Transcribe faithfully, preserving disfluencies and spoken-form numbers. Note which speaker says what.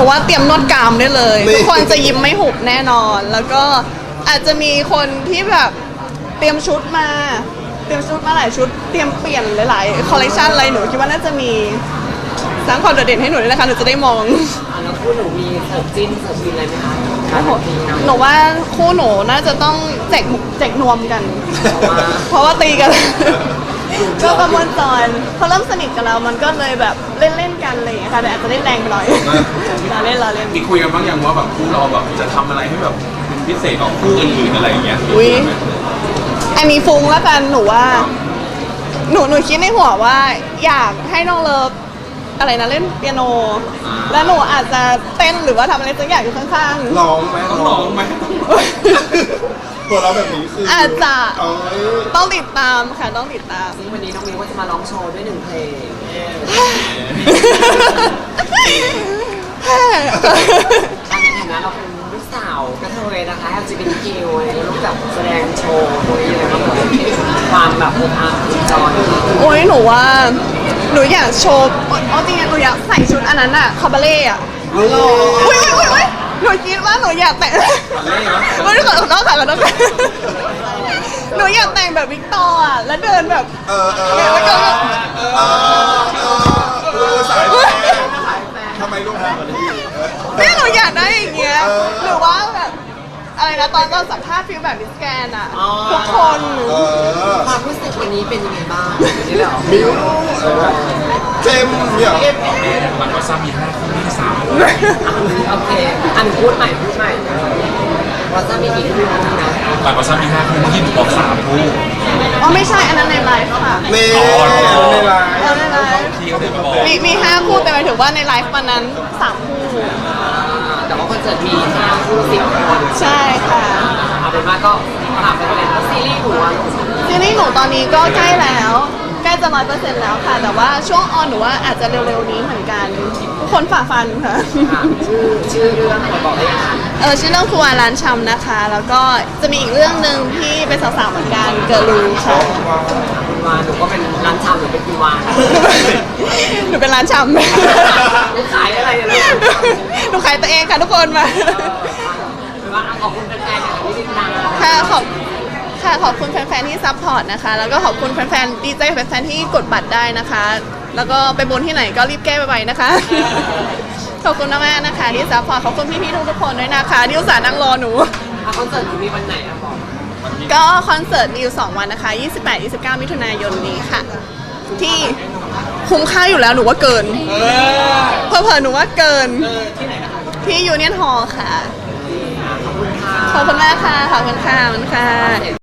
Speaker 1: นูว่าเตรียมนวดกรามได้เลยทุกคนจะยิ้มไม่หุบแน่นอน แล้วก็อาจจะมีคนที่แบบเตรียมชุดมาเตรียมชุดมาหลายชุดเตรียมเปลี่ยนหลายๆคอลเลคชันอะไรหนูคิดว่าน่าจะมีสร้างความโดดเด่นให้หนูด้วยนะคะหนูจะได้มอง
Speaker 2: แล้วคู่หนูมีเสิร์ฟจิ้นเสิร์ฟวินอะไรไหมคะ
Speaker 1: หนูว่าคู่หนูน่าจะต้องแจกแจกนวมกัน เพราะว่าตีกันก็ประมวลจอยเขาเริ่มสนิทกันแล้วมันก็เลยแบบเล่นเล่นกันอะไรอย่างเงี้ยค่ะแต่อาจจะเล่นแรงไปหน่อยเราเล่นเราเล่น
Speaker 3: มีคุยกันบ้างยังว่าแบบคู่เราแบบจะทำอะไรให้แบบเป็นพิเศษกว่าคู่อื่นๆอะไรอย่างเงี้ย
Speaker 1: อุ้ยอันนี้ฟุ้งแล้วกันหนูว่าหนูหนูคิดในหัวว่าอยากให้น้องเลิฟอะไรนะเล่นเปียโนแล้วหนูอาจจะเต้นหรือว่าทำอะไรสักอย่างอยู่ข้าง
Speaker 3: ๆร้องไหมต้องร้องไหมตัวเราแบบนี้คือ
Speaker 1: อาจจะต้องติดตามค่ะต้องติดตาม
Speaker 2: วันนี้น้องมิวก็จะมาร้องโชว์ด้วยหนึ่งเพลงในฐานะเราเป็นลูกสาวกระเทยนะคะ แอล จี บี ที คิว ลูกแบบแสดงโชว์ตรงนี้อะไรบ้างความแบบอบอุ่นจอย
Speaker 1: โอ้ยหนูว่าหนูอยากโชว์อ๋อจริงๆหนูอยากใส่ชุดอันนั้นอะคาบาเล่อะอุ้ยอุ้ยอุ้ยอุ้ยหนูคิดว่าหนูอยากแต่งไม่ได้ขอโทษค่ะขอโทษค่ะหนูอยากแต่งแบบวิกตอร์อะแล้วเดินแบบ
Speaker 3: เออเออ
Speaker 1: แล้วก็แบบ
Speaker 3: เออเออสายแฟนทำไมลูกแพ้แบบนี้
Speaker 1: เนี่ยหนูอยากได้อย่างเงี้ยหรือว่าแบบอะไรนะตอนตอนสัมภาษณ์ฟิลแบบมิสแกนอะทุกคน
Speaker 2: ความรู้สึกวันนี้เป็นยังไงบ้างนี่เหรอ
Speaker 3: มิวเจมเนี่ย
Speaker 4: มันก็ซ้ำมีห้าคู่ที่สาม
Speaker 2: โอเคอันพูดใหม่พูดใหม่ว่าจะมีกี่คู่นะ
Speaker 4: หลังก็ซ้ำมีห้าคู่ที่บอกสามคู่
Speaker 1: อ๋อไม่ใช่อันนั้นในไลฟ์ค่ะ
Speaker 3: ในในไลฟ์
Speaker 1: ในไลฟ์
Speaker 4: ที่เขาเดินมาบอก
Speaker 1: มีมีห้าคู่แต่หมายถึงว่าในไลฟ์วันนั้นสามคู่
Speaker 2: แต่ว่าคอนเสิร์ตมีห้าคู่สิบคน
Speaker 1: ใช่ค่ะ
Speaker 2: เอาเป็นว่าก็ถามไปเลยว่าซีรีส์หนูอะ
Speaker 1: ซีรีส์หนูตอนนี้ก็ใกล้แล้วใกล้จะร้อยเปอร์เซ็นต์แล้วค่ะแต่ว่าช่วงออนหนูว่าอาจจะเร็วๆนี้เหมือนกันทุกคนฝ่าฟันค่ะ
Speaker 2: ชื่อชื่อเรื่องบอกได้ยัง
Speaker 1: เออชื่อเรื่องครัวร้านชำนะคะแล้วก็จะมีอีกเรื่องหนึ่งที่เป็นสาวๆเหมือนกันเกิร์ลรูค่ะ
Speaker 2: คุณวานหนูก็เป็นร้านชำหรือเป็นคุณวาน
Speaker 1: หนูเป็นร้านชำ
Speaker 2: หนูขายอะไรเนี่ย
Speaker 1: หนูขายตัวเองค่ะทุกคนมา
Speaker 2: ขอบคุณแฟนๆที่ติดตาม
Speaker 1: ค่ะขอบค่ะขอบคุณแฟนๆที่ซัพพอร์ตนะคะแล้วก็ขอบคุณแฟนๆดีใจแฟนๆที่กดบัตรได้นะคะแล้วก็ไปบนที่ไหนก็รีบแก้ไปๆนะคะขอบคุณมากๆนะคะที่ซัพพอร์ตขอบคุณพี่ๆทุกๆคนด้วยนะคะที่อุตส่าห์นั่งรอหนู
Speaker 2: คอนเสิร์ตมีวันไหนอะบอก
Speaker 1: ก็คอนเสิร์ตมีอยู่สองวันนะคะยี่สิบแปด ยี่สิบเก้ามิถุนายนนี้ค่ะที่คุ้มค่าอยู่แล้วหนูว่าเกินเผลอๆหนูว่าเกินที่ยูเนียนฮอลล์ค่ะขอบคุณมากค่ะขอบคุณค่ะขอบคุณค่ะ